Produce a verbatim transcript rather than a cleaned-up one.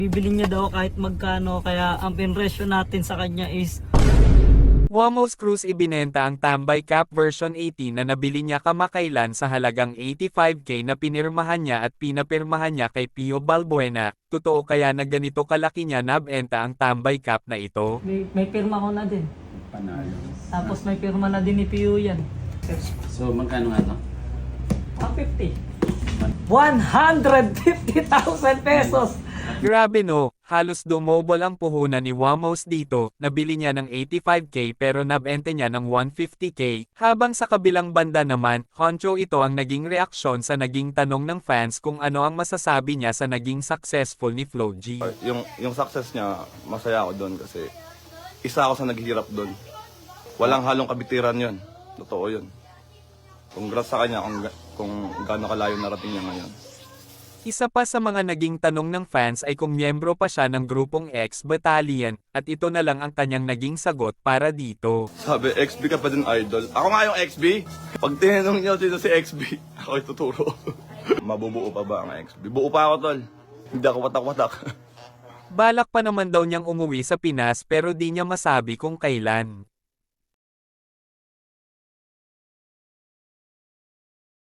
Bibili niya daw kahit magkano, kaya ang pinresyo natin sa kanya is Wamos Cruz ibinenta ang Tambay Cap version eighteen na nabili niya kamakailan sa halagang eighty-five K na pinirmahan niya at pinapirmahan niya kay Pio Balbuena. Totoo kaya na ganito kalaki niya nabenta ang Tambay Cap na ito? may, may pirma ko na din. Panalo. Tapos may pirma na din ni Pio yan. So, magkano nga to? one fifty. one hundred fifty thousand pesos! Grabe no, halos dumobol ang puhunan ni Wamos dito, nabili niya ng eighty-five K pero nabente niya ng one fifty K, habang sa kabilang banda naman, honcho ito ang naging reaksyon sa naging tanong ng fans kung ano ang masasabi niya sa naging successful ni Flo G. Yung, yung success niya, masaya ako doon kasi isa ako sa naghihirap doon. Walang halong kabitiran yon. Totoo yun. Congrats sa kanya kung, ga- kung gaano kalayo narating niya ngayon. Isa pa sa mga naging tanong ng fans ay kung miyembro pa siya ng grupong X Battalion, at ito na lang ang kanyang naging sagot para dito. Sabi, X B ka pa din idol. Ako nga yung X B. Pag tinanong niyo sino si X B, ako ituturo. Mabubuo pa ba ang X B? Buo pa ako, tol. Hindi ako watak-watak. Balak pa naman daw niyang umuwi sa Pinas pero di niya masabi kung kailan.